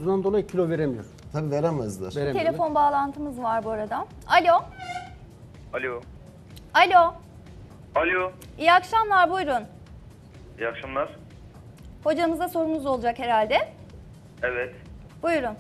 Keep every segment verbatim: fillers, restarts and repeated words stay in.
tuzundan dolayı kilo veremiyor. Tabii veremezler. Veremiyor. Telefon bağlantımız var bu arada. Alo. Alo. Alo. Alo. İyi akşamlar, buyurun. İyi akşamlar. Hocamıza sorunuz olacak herhalde. Evet. Buyurun.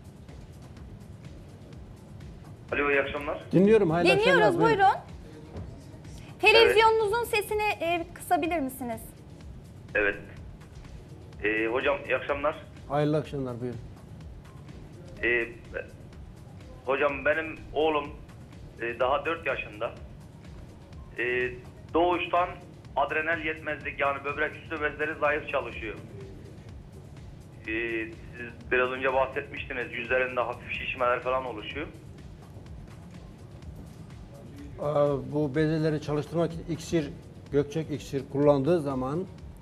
Alo, iyi akşamlar. Dinliyorum. Hayırlı Dinliyoruz, akşamlar, buyurun. Televizyonunuzun sesini e, kısabilir misiniz? Evet. Ee, hocam iyi akşamlar. Hayırlı akşamlar, buyurun. Ee, hocam benim oğlum e, daha dört yaşında. Ee, doğuştan adrenal yetmezlik, yani böbrek üstü bezleri zayıf çalışıyor. Ee, siz biraz önce bahsetmiştiniz, yüzlerinde hafif şişmeler falan oluşuyor. Aa, bu bezeleri çalıştırmak için iksir, Gökçek iksir kullandığı zaman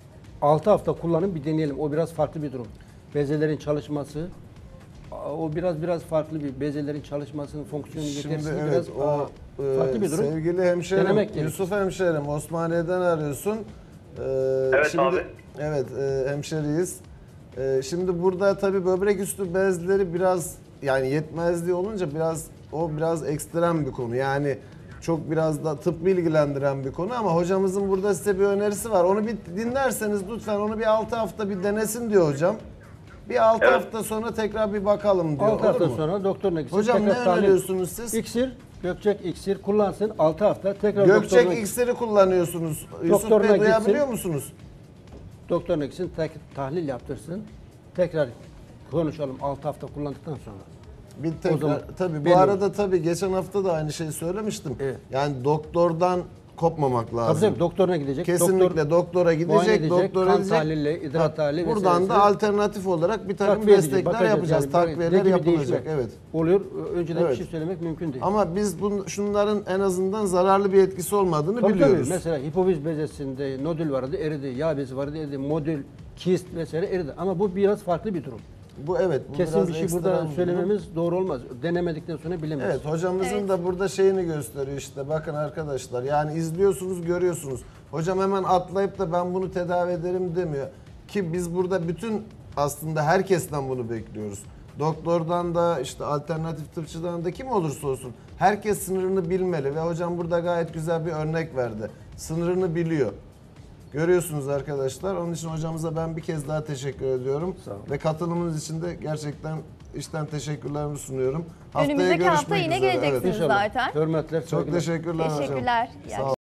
altı hafta kullanın, bir deneyelim. O biraz farklı bir durum. Bezelerin çalışması, aa, o biraz biraz farklı bir bezelerin çalışmasının fonksiyonu Şimdi yetersizliği evet biraz o aa, e, farklı bir durum. sevgili hemşerim Denemek gerekir. Yusuf hemşerim Osmaniye'den arıyorsun. Ee, Evet şimdi, abi. Evet e, hemşeriyiz. E, şimdi burada tabii böbrek üstü bezleri biraz yani yetmezliği olunca biraz o biraz ekstrem bir konu. Yani çok biraz da tıp bilgilendiren bir konu ama hocamızın burada size bir önerisi var. Onu bir dinlerseniz lütfen onu bir altı hafta bir denesin diyor hocam. Bir altı Evet. hafta sonra tekrar bir bakalım diyor. altı Olur hafta mu? sonra doktoruna gitsin. Hocam tekrar ne tahlil- öneriyorsunuz siz? İksir, Gökçek iksir kullansın altı hafta tekrar doktoruna Gökçek gitsin. iksiri kullanıyorsunuz. Yusuf Doktoruna Bey duyabiliyor gitsin. musunuz? Doktoruna gitsin, tek, tahlil yaptırsın. Tekrar konuşalım altı hafta kullandıktan sonra. Bir O zaman tekrar tabii bu belli arada tabii geçen hafta da aynı şeyi söylemiştim. Evet. Yani doktordan kopmamak lazım. Tabii tabii, doktoruna gidecek. Kesinlikle Doktor doktora muayene gidecek, edecek, doktora kan gidecek. tahlili, idrar Ha, tahlili buradan vesairesi. da alternatif olarak bir takım takviye edecek, destekler bakacağız. yapacağız. Yani takviyeler ne gibi yapılacak. değişme Evet. oluyor. Önceden Evet. bir şey söylemek mümkün değil. Ama biz bun, şunların en azından zararlı bir etkisi olmadığını Tabii biliyoruz. tabii. Mesela hipofiz bezesinde nodül vardı, eridi. Yağ bezi vardı, eridi. Modül, kist vesaire eridi. Ama bu biraz farklı bir durum. Bu evet. Bu Kesin biraz bir şey ekstrem burada bir durum. söylememiz doğru olmaz. Denemedikten sonra bilemeyiz. Evet, hocamızın Evet. da burada şeyini gösteriyor işte. Bakın arkadaşlar, yani izliyorsunuz, görüyorsunuz. Hocam hemen atlayıp da ben bunu tedavi ederim demiyor. Ki biz burada bütün aslında herkesten bunu bekliyoruz. Doktordan da işte alternatif tıpçıdan da kim olursa olsun herkes sınırını bilmeli ve hocam burada gayet güzel bir örnek verdi. Sınırını biliyor. Görüyorsunuz arkadaşlar. Onun için hocamıza ben bir kez daha teşekkür ediyorum. Sağ olun. Ve katılımınız için de gerçekten içten teşekkürlerimi sunuyorum. Haftaya Önümüzdeki hafta görüşmek yine üzere. geleceksiniz Evet. İnşallah. zaten. Hörmetler, Çok saygılar. teşekkürler hocam. Teşekkürler. İyi Sağ olun.